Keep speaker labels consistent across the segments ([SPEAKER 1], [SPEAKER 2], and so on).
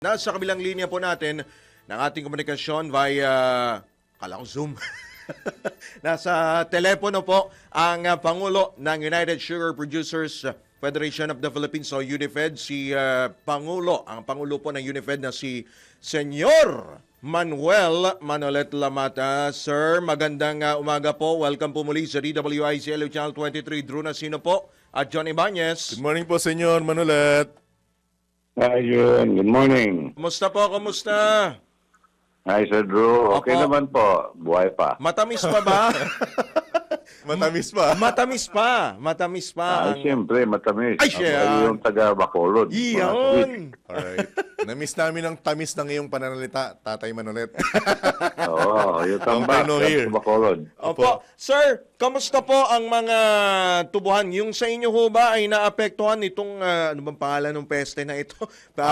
[SPEAKER 1] Nasa kabilang linya po natin ng ating komunikasyon via, kala ko Zoom. Nasa telepono po ang Pangulo ng United Sugar Producers Federation of the Philippines o UNIFED, ang Pangulo po ng UNIFED na si Senyor Manuel Manolet Lamata. Sir, magandang umaga po. Welcome po muli sa DWIC Channel 23. Drew Nasino po at John Ibanez.
[SPEAKER 2] Good morning po, Senyor Manolet.
[SPEAKER 3] Hi, Jun. Good morning.
[SPEAKER 1] Kumusta po? Kumusta?
[SPEAKER 3] Hi, Sir Drew. Okay
[SPEAKER 1] Opo.
[SPEAKER 3] naman po. Buhay pa.
[SPEAKER 1] Matamis pa ba?
[SPEAKER 2] Matamis pa.
[SPEAKER 1] Matamis pa. Matamis pa.
[SPEAKER 3] Ay, siyempre, matamis.
[SPEAKER 1] Ay, siya.
[SPEAKER 3] Ako yung taga-Bacolod.
[SPEAKER 1] Iyon.
[SPEAKER 2] Alright. Namiss namin ang tamis ng iyong pananalita, Tatay Manolet.
[SPEAKER 3] Oo, yung tambak.
[SPEAKER 2] Long time no hear.
[SPEAKER 3] Bacolod.
[SPEAKER 1] Opo. Sir, kamusta po ang mga tubuhan? Yung sa inyo ho ba ay naapektuhan itong, ano bang pangalan ng peste na ito?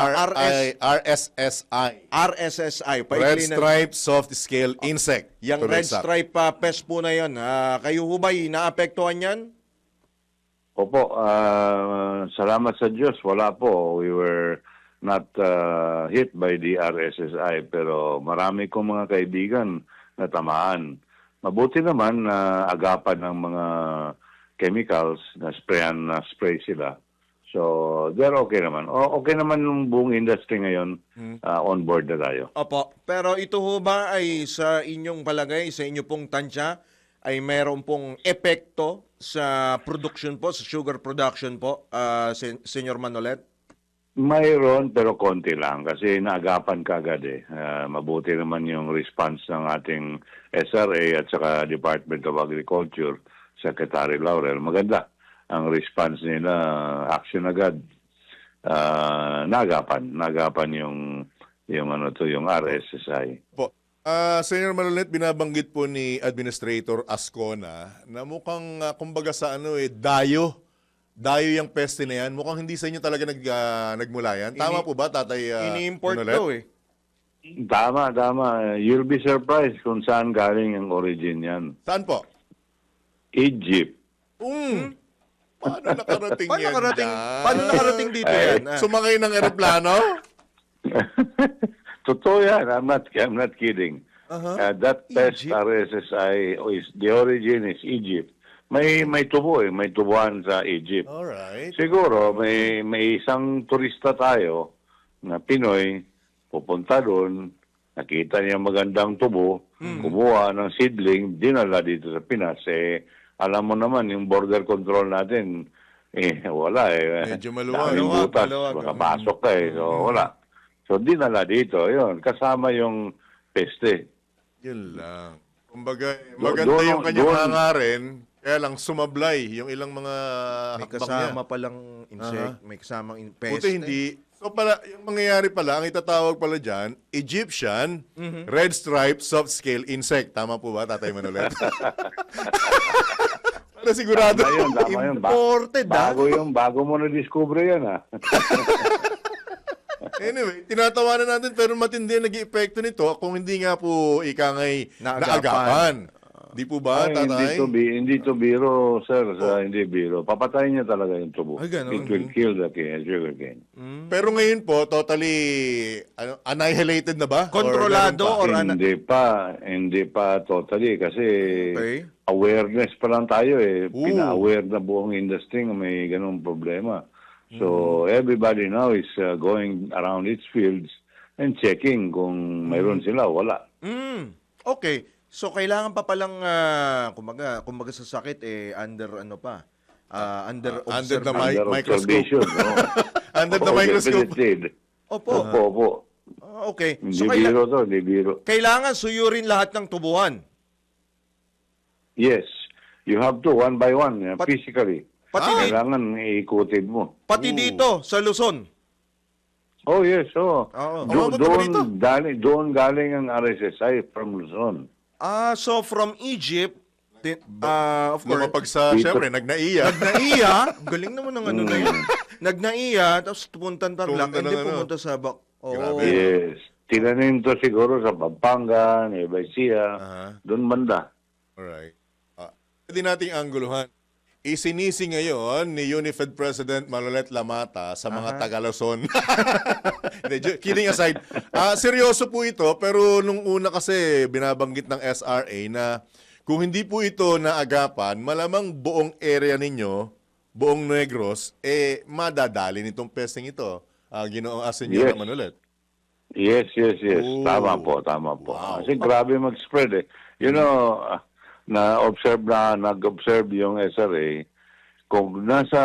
[SPEAKER 2] RSSI.
[SPEAKER 1] RSSI.
[SPEAKER 2] Red
[SPEAKER 1] Paikli na-
[SPEAKER 2] Stripe Soft Scale Insect.
[SPEAKER 1] Yung
[SPEAKER 2] To
[SPEAKER 1] red
[SPEAKER 2] exact.
[SPEAKER 1] stripe pest po na yun. Kayo ho ba ay naapektuhan yan?
[SPEAKER 3] Opo, salamat sa Diyos. Wala po. We were not hit by the RSSI, pero marami kong mga kaibigan na tamaan. Mabuti naman na agapan ng mga chemicals na spray sila. So, they're okay naman. Okay naman yung buong industry ngayon, on board na tayo.
[SPEAKER 1] Opo. Pero ito ho ba ay sa inyong palagay, sa inyo pong tansya, ay mayroon pong epekto sa production po, sa sugar production po, Senyor Manolet?
[SPEAKER 3] Mayroon, pero konti lang kasi naagapan kagad eh. Mabuti naman yung response ng ating SRA at saka Department of Agriculture, Secretary Laurel. Maganda ang response nila, action agad. Naagapan yung RSSI.
[SPEAKER 2] Po. Senyor Manolet, binabanggit po ni Administrator Ascona na mukhang, kumbaga sa dayo yung peste na yan. Mukhang hindi sa inyo talaga nagmula yan. Tama po ba, Tatay
[SPEAKER 1] Ini-import
[SPEAKER 2] Manolet?
[SPEAKER 1] daw eh.
[SPEAKER 3] Tama. You'll be surprised kung saan galing ang origin yan.
[SPEAKER 2] Saan po?
[SPEAKER 3] Egypt.
[SPEAKER 2] Paano nakarating
[SPEAKER 1] Paano
[SPEAKER 2] yan
[SPEAKER 1] nakarating,
[SPEAKER 2] dyan?
[SPEAKER 1] paano nakarating dito yan?
[SPEAKER 2] Sumakay ng eroplano?
[SPEAKER 3] Totoo yan. I'm not kidding. That pest
[SPEAKER 1] Egypt?
[SPEAKER 3] RSSI, the origin is Egypt. May tubo eh. May tubuhan sa Egypt.
[SPEAKER 2] Alright.
[SPEAKER 3] Siguro, may isang turista tayo na Pinoy, pupunta doon, nakita niya magandang tubo, kumuha ng seedling, dinala dito sa Pinas. Alam mo naman, yung border control natin, wala eh.
[SPEAKER 2] Medyo maluwag.
[SPEAKER 3] Daming butas,
[SPEAKER 1] Maluwag.
[SPEAKER 3] makapasok ka eh. So, wala. So, dinala dito. Yun, kasama yung peste.
[SPEAKER 2] Yun lang. Kumbaga, maganda yung kanyang hangarin, kaya lang sumablay yung ilang mga
[SPEAKER 1] May
[SPEAKER 2] hakbang
[SPEAKER 1] kasama
[SPEAKER 2] niya.
[SPEAKER 1] palang insect, may kasamang peste.
[SPEAKER 2] Buti hindi. So pala, yung mangyayari pala, ang itatawag pala dyan, Egyptian Red Stripe Soft Scale Insect. Tama po ba, Tatay Manolet? Para sigurado.
[SPEAKER 3] Tama yun.
[SPEAKER 1] Imported,
[SPEAKER 3] Bago mo na-discover yan, ha?
[SPEAKER 2] Anyway, tinatawanan natin pero matindi ang nag-iepekto nito kung hindi nga po ikangay
[SPEAKER 1] Naagapan.
[SPEAKER 2] naagapan. Di po ba,
[SPEAKER 3] Ay,
[SPEAKER 2] Tatay?
[SPEAKER 3] hindi to biro, sir. Hindi biro. Papatayin niya talaga yung tubo.
[SPEAKER 1] Ay, ganun.
[SPEAKER 3] It will kill the sugar cane.
[SPEAKER 2] Pero ngayon po, totally annihilated na ba?
[SPEAKER 1] Kontrolado
[SPEAKER 2] Or ganun pa?
[SPEAKER 3] Hindi pa totally kasi
[SPEAKER 1] Okay.
[SPEAKER 3] awareness pa lang tayo eh.
[SPEAKER 2] Ooh.
[SPEAKER 3] Pina-aware na buong industry na may ganung problema. So everybody now is going around its fields and checking kung mayroon sila o wala.
[SPEAKER 1] Okay. So kailangan pa palang kumbaga sa sakit under under
[SPEAKER 2] Under the
[SPEAKER 1] observation.
[SPEAKER 3] Under
[SPEAKER 2] microscope.
[SPEAKER 3] observation, no?
[SPEAKER 2] Under the microscope.
[SPEAKER 3] Definitely.
[SPEAKER 1] Opo.
[SPEAKER 3] Opo.
[SPEAKER 1] Okay.
[SPEAKER 3] Hindi
[SPEAKER 1] So
[SPEAKER 3] biro to, hindi biro.
[SPEAKER 1] kailangan suyurin lahat ng tubuhan.
[SPEAKER 3] Yes. You have to, one by one,
[SPEAKER 1] Pat-
[SPEAKER 3] physically.
[SPEAKER 1] Pati
[SPEAKER 3] Kailangan iikutin mo.
[SPEAKER 1] pati dito sa Luzon.
[SPEAKER 3] Oh, yes. Oh.
[SPEAKER 1] Oo.
[SPEAKER 2] Umabot na ba dito?
[SPEAKER 3] Doon galing ang RSSI from Luzon.
[SPEAKER 1] So from Egypt, of course,
[SPEAKER 2] Lumapag sa,
[SPEAKER 3] Dito.
[SPEAKER 2] syempre, nagnaiya.
[SPEAKER 1] Nagnaiya, galing naman ng ano na yun. Nagnaiya, tapos pumunta ng Tarlac,
[SPEAKER 2] Pumunta ng
[SPEAKER 1] hindi
[SPEAKER 2] ano.
[SPEAKER 1] pumunta sa
[SPEAKER 2] Grabe.
[SPEAKER 3] Yes. Tinanim to siguro sa Pampanga, Nueva Ecija,
[SPEAKER 2] Aha.
[SPEAKER 3] doon banda.
[SPEAKER 2] Alright. Pwede nating angguluhan. isinisi ngayon ni Unified President Manolet Lamata sa mga Taga-Luzon. Kidding aside, seryoso po ito, pero nung una kasi binabanggit ng SRA na kung hindi po ito naagapan, malamang buong area ninyo, buong Negros, madadali nitong pesting ito. Ginoong Senyor
[SPEAKER 3] Yes.
[SPEAKER 2] Manolet.
[SPEAKER 3] Yes.
[SPEAKER 2] Oh.
[SPEAKER 3] Tama po.
[SPEAKER 2] Wow.
[SPEAKER 3] Kasi grabe mag-spread eh. You know, nag-observe yung SRA, kung nasa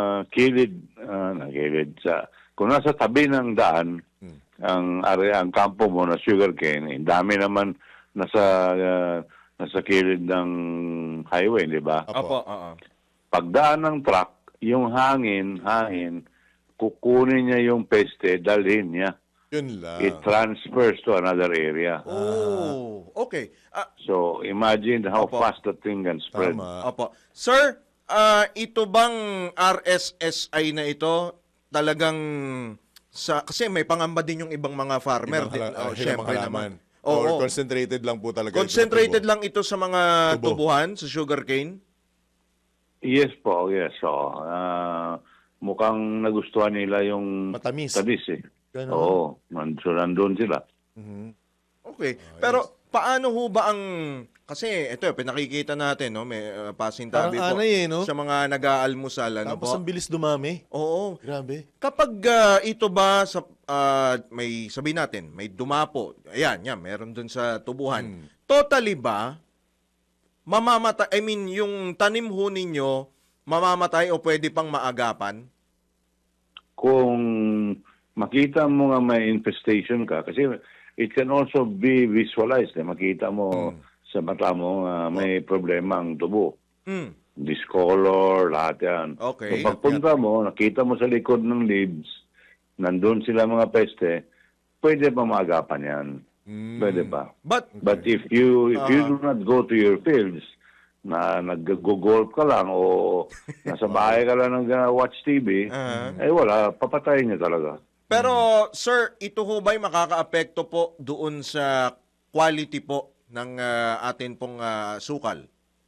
[SPEAKER 3] kung nasa tabi ng daan, ang area, ang kampo mo na sugarcane, dami naman nasa kilid ng highway, di ba?
[SPEAKER 1] Opo,
[SPEAKER 3] Pagdaan ng truck, yung hangin, kukunin niya yung peste, dalhin niya.
[SPEAKER 2] Yun lang.
[SPEAKER 3] It transfers to another area.
[SPEAKER 1] Oh, okay.
[SPEAKER 3] So, imagine how
[SPEAKER 1] Opo.
[SPEAKER 3] fast that thing can spread.
[SPEAKER 2] Tama.
[SPEAKER 1] Opo. Sir, ito bang RSSI na ito talagang kasi may pangamba din yung ibang mga farmer. Syempre naman.
[SPEAKER 2] Or
[SPEAKER 1] Oo.
[SPEAKER 2] concentrated lang po talaga.
[SPEAKER 1] Concentrated
[SPEAKER 2] ito sa tubo.
[SPEAKER 1] lang ito sa mga
[SPEAKER 2] Tubo.
[SPEAKER 1] tubuhan, sa sugarcane?
[SPEAKER 3] Yes po, yes. So, mukhang nagustuhan nila yung
[SPEAKER 2] Matamis.
[SPEAKER 3] tamis eh.
[SPEAKER 2] Ganon.
[SPEAKER 3] Oo, so nandun sila.
[SPEAKER 1] Okay. Pero paano ho ba ang... Kasi ito, pinakikita natin, no? May pasintabi
[SPEAKER 2] Parang
[SPEAKER 1] po
[SPEAKER 2] anay no?
[SPEAKER 1] sa mga nag-aalmusal. Ano
[SPEAKER 2] Tapos
[SPEAKER 1] po?
[SPEAKER 2] ang bilis dumami.
[SPEAKER 1] Oo.
[SPEAKER 2] Grabe.
[SPEAKER 1] Kapag ito ba sa may sabihin natin, may dumapo. Ayan, meron dun sa tubuhan. Totally ba mamamatay, yung tanim ho ninyo mamamatay o pwede pang maagapan?
[SPEAKER 3] Kung makita mo nga may infestation ka, kasi it can also be visualized. Makita mo sa mata mo may problema ang tubo.
[SPEAKER 1] Mm.
[SPEAKER 3] Discolor, lahat yan.
[SPEAKER 1] Okay.
[SPEAKER 3] So pagpunta mo, nakita mo sa likod ng leaves, nandun sila mga peste, pwede pa maagapan yan. Pwede pa.
[SPEAKER 1] But
[SPEAKER 3] But if you do not go to your fields, na nag-golf ka lang o nasa bahay ka lang watch TV, wala, papatayin niya talaga.
[SPEAKER 1] pero sir, ito ho ba'y makakaapekto po doon sa quality po ng atin pong sukal?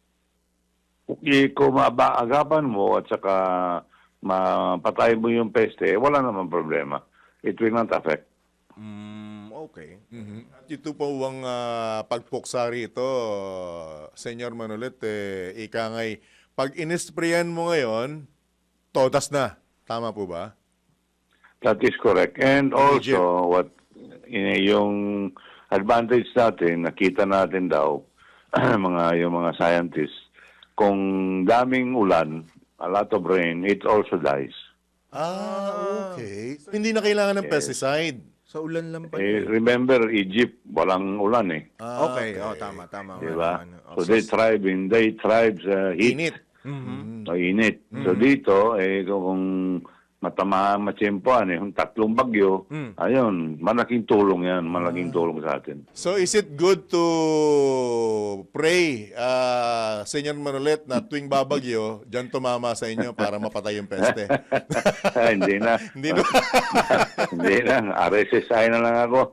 [SPEAKER 3] Kung maagapan mo at saka mapatay mo yung peste, wala naman problema. It will not affect.
[SPEAKER 1] Okay.
[SPEAKER 2] At ito po ang pagpuksa rito, Senyor Manolet, ika ngay, pag inisprayan mo ngayon, todas na. Tama po ba?
[SPEAKER 3] That is correct. And also, yung advantage natin, nakita natin daw, yung mga scientists, kung daming ulan, a lot of rain, it also dies.
[SPEAKER 2] Okay. So, hindi na kailangan ng pesticide.
[SPEAKER 1] Sa ulan lang pa.
[SPEAKER 3] Remember, Egypt, walang ulan eh.
[SPEAKER 1] Okay. Tama.
[SPEAKER 3] Diba?
[SPEAKER 1] Ano.
[SPEAKER 3] So they thrive sa heat.
[SPEAKER 2] Init.
[SPEAKER 3] O init. So dito, kung matsempoan yung tatlong bagyo, ayun, malaking tulong yan, malaking tulong sa atin.
[SPEAKER 2] So is it good to pray, Senyor Manolet, na tuwing babagyo, dyan tumama sa inyo para mapatay yung peste?
[SPEAKER 3] Hindi na.
[SPEAKER 2] Hindi no?
[SPEAKER 3] Hindi na. RSSI na lang ako.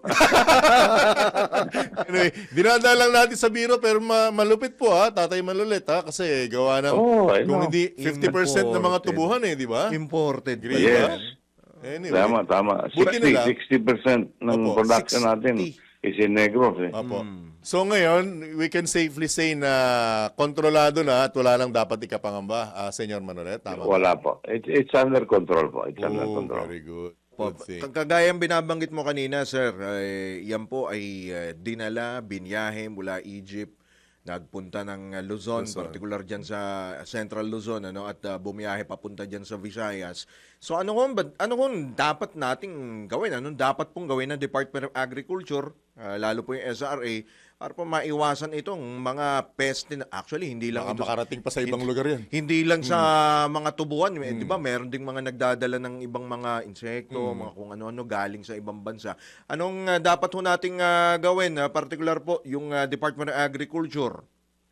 [SPEAKER 2] Anyway, dinadalang natin sa biro pero malupit po Tatay Manolet kasi gawa ng kung hindi 50% ng mga tubuhan di ba?
[SPEAKER 1] Imported.
[SPEAKER 2] Agree
[SPEAKER 3] Yes.
[SPEAKER 2] ba? Anyway.
[SPEAKER 3] Tama.
[SPEAKER 2] Buti na lang.
[SPEAKER 3] 60% ng
[SPEAKER 2] Opo,
[SPEAKER 3] production
[SPEAKER 2] 60.
[SPEAKER 3] natin is in Negros eh.
[SPEAKER 2] Opo. So ngayon, we can safely say na kontrolado na at wala nang dapat ikapangamba, Senyor Manolet. Tama ba?
[SPEAKER 3] Wala po. It's under control po. It's under control.
[SPEAKER 2] Very good.
[SPEAKER 1] Po,
[SPEAKER 2] Good thing.
[SPEAKER 1] kagayang binabanggit mo kanina, sir, yan po ay dinala, binyahe mula Egypt, nagpunta ng Luzon, particular dyan sa Central Luzon, at bumiyahe papunta dyan sa Visayas. So ano kung dapat nating gawin? Anong dapat pong gawin ng Department of Agriculture, lalo po yung SRA, para po maiwasan itong mga peste na actually hindi lang
[SPEAKER 2] Baka makarating pa sa ibang lugar yan.
[SPEAKER 1] hindi lang sa mga tubuhan, di ba? Meron ding mga nagdadala ng ibang mga insekto, mga kung ano-ano galing sa ibang bansa. Anong dapat ho nating gawin, particular po yung Department of Agriculture?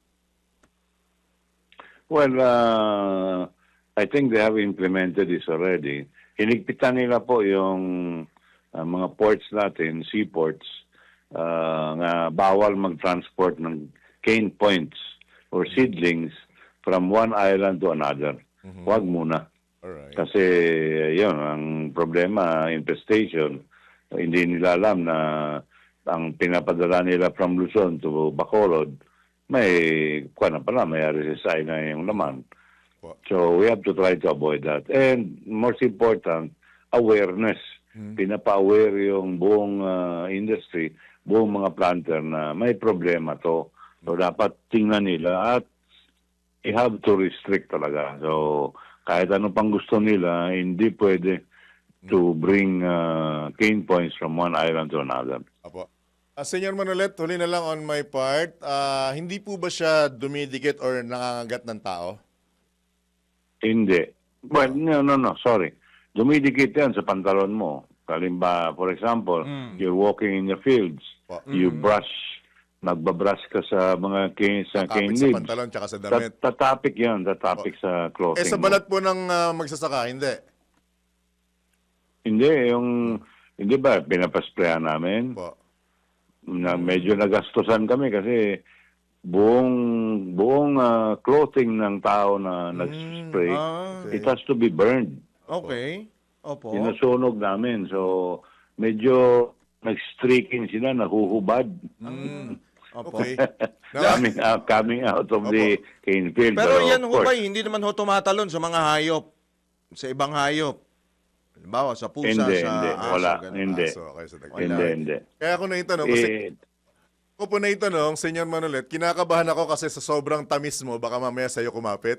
[SPEAKER 3] Well, I think they have implemented this already. Hinigpitan nila po yung mga ports natin, seaports, nga bawal mag-transport ng cane points or seedlings from one island to another. Huwag muna.
[SPEAKER 2] Alright.
[SPEAKER 3] Kasi yun, ang problema, infestation, hindi nila alam na ang pinapadala nila from Luzon to Bacolod, may may RSSI na yung laman. So we have to try to avoid that. And most important, awareness. Pinapa-aware yung buong industry, buong mga planter na may problema to. So dapat tingnan nila at you have to restrict talaga. So kahit ano pang gusto nila, hindi pwede to bring cane points from one island to another.
[SPEAKER 2] Apo. Senyor Manolet, huli na lang on my part. Hindi po ba siya dumidikit or nangangagat ng tao?
[SPEAKER 3] Hindi. Well, no, sorry. Dumidikit yan sa pantalon mo. Kalimba, for example, you're walking in the fields, you brush, nagbabrush ka sa mga cane
[SPEAKER 2] Kakapit sa
[SPEAKER 3] leaves.
[SPEAKER 2] pantalon tsaka sa damit.
[SPEAKER 3] Tatapik yan, tatapik sa clothing
[SPEAKER 2] Sa
[SPEAKER 3] mo.
[SPEAKER 2] balat po ng magsasaka, hindi.
[SPEAKER 3] Hindi ba, pinapasprayan namin?
[SPEAKER 2] Po.
[SPEAKER 3] Na medyo nagastusan kami kasi buong clothing ng tao na nag-spray,
[SPEAKER 1] okay.
[SPEAKER 3] it has to be burned.
[SPEAKER 1] Okay. Opo.
[SPEAKER 3] Sinusunog namin. So, medyo nag-streaking sila, nahuhubad.
[SPEAKER 1] Opo.
[SPEAKER 2] Okay.
[SPEAKER 3] coming out of the cane field.
[SPEAKER 1] Pero yan
[SPEAKER 3] of
[SPEAKER 1] ho
[SPEAKER 3] course,
[SPEAKER 1] ba, hindi naman ho tumatalon sa mga hayop, sa ibang hayop. Halimbawa, sa pusa,
[SPEAKER 3] Hindi,
[SPEAKER 1] sa
[SPEAKER 3] hindi.
[SPEAKER 1] aso.
[SPEAKER 3] Wala.
[SPEAKER 1] ganun.
[SPEAKER 3] Hindi.
[SPEAKER 2] So, okay, sa tagpo.
[SPEAKER 3] Hindi.
[SPEAKER 2] Kaya ako naitanong, kasi
[SPEAKER 3] Eh,
[SPEAKER 2] ako po naitanong, Senyor Manolet, kinakabahan ako kasi sa sobrang tamis mo, baka mamaya sa'yo kumapit.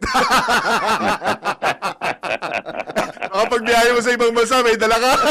[SPEAKER 2] Kapag biyahe mo sa ibang bansa, may dala ka.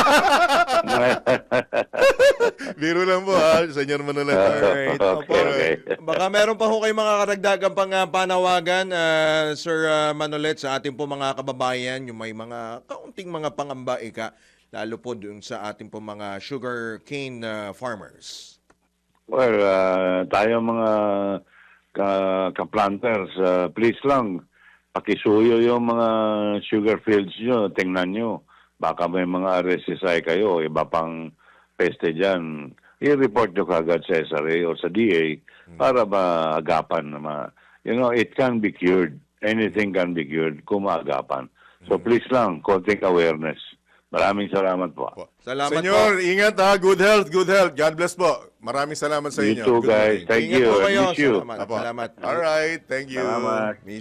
[SPEAKER 2] Biro lang po ha, Senyor Manolet.
[SPEAKER 1] Alright. Opo.
[SPEAKER 3] Okay.
[SPEAKER 1] Baka meron pa ho kayong mga karagdagang pang panawagan, Sir Manolet, sa ating po mga kababayan, yung may mga kaunting mga pangamba, lalo po dun sa ating po mga sugar cane farmers.
[SPEAKER 3] Well, tayo mga ka-planters, please lang, pakisuyo yung mga sugar fields nyo, tingnan nyo. Baka may mga RSSI kayo, iba pang peste dyan. I-report nyo kagad sa SRA o sa DA para maagapan. It can be cured. Anything can be cured kung maagapan. So please lang, konting awareness. Maraming salamat po.
[SPEAKER 1] Salamat
[SPEAKER 2] Senyor,
[SPEAKER 1] po.
[SPEAKER 2] ingat ha. Good health, good health. God bless po. Maraming salamat sa
[SPEAKER 3] You
[SPEAKER 2] inyo.
[SPEAKER 3] too,
[SPEAKER 2] Good
[SPEAKER 3] guys.
[SPEAKER 2] morning.
[SPEAKER 3] Thank
[SPEAKER 1] Ingat
[SPEAKER 3] you.
[SPEAKER 1] po
[SPEAKER 3] I
[SPEAKER 1] kayo.
[SPEAKER 3] miss you.
[SPEAKER 1] Salamat.
[SPEAKER 2] Apo.
[SPEAKER 1] Salamat.
[SPEAKER 2] All right, thank you.
[SPEAKER 3] Salamat.